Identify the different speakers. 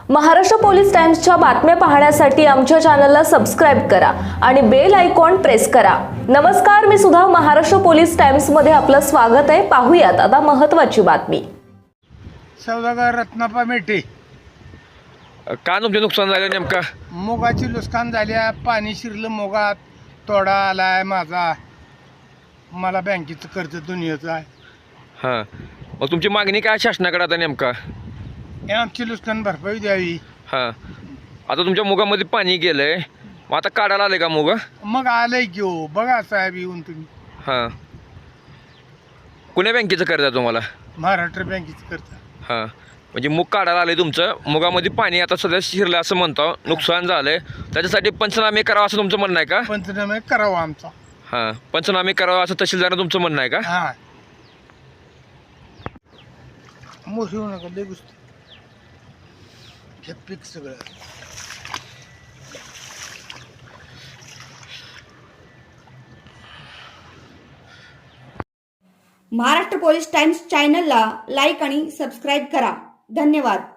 Speaker 1: Maharashtra police टाइम्सच्या बातम्या पाहण्यासाठी आमच्या चॅनलला सबस्क्राइब करा आणि बेल आयकॉन प्रेस करा। नमस्कार, मी सुधा, महाराष्ट्र पोलीस टाइम्स मध्ये आपलं स्वागत आहे। पाहूयात आता महत्त्वाची बातमी।
Speaker 2: सौदागर रत्नापा मेटे
Speaker 3: का तुमचे नुकसान झालं नेमका?
Speaker 2: मुगाची नुकसान झाल्या, पाणी शिरलं मुगात, तोडा आलाय माझा, मला बँकेचं कर्ज दुनियाचं आहे।
Speaker 3: हां, मग तुमची मागणी काय शासनाकडे आता नेमका?
Speaker 2: हे आमची नुकसान भरपाई द्यावी।
Speaker 3: हां, आता तुमच्या मुगामध्ये पाणी गेलंय, मग आता काढायला आले का मुग?
Speaker 2: मग आलंय की हो, बघा साहेब येऊन तुम्ही।
Speaker 3: हां, कुण्या बँकेचं कर्ज आहे तुम्हाला?
Speaker 2: महाराष्ट्र बँकेचं कर्ज।
Speaker 3: हां, म्हणजे मूग काढायला आले तुमचं, मुगामध्ये पाणी आता सध्या शिरलं असं म्हणतो, नुकसान झालंय, त्याच्यासाठी पंचनामे करावं असं तुमचं म्हणणं आहे का?
Speaker 2: पंचनामे करावा आमचा।
Speaker 3: हां, पंचनामे करावं असं तहसीलदारानं तुमचं म्हणणं आहे का?
Speaker 2: हा, मोठी होऊ नका, लय गोष्टी हे पीक सगळं।
Speaker 4: महाराष्ट्र पोलीस टाइम्स चॅनलला लाईक आणि सबस्क्राईब करा। धन्यवाद।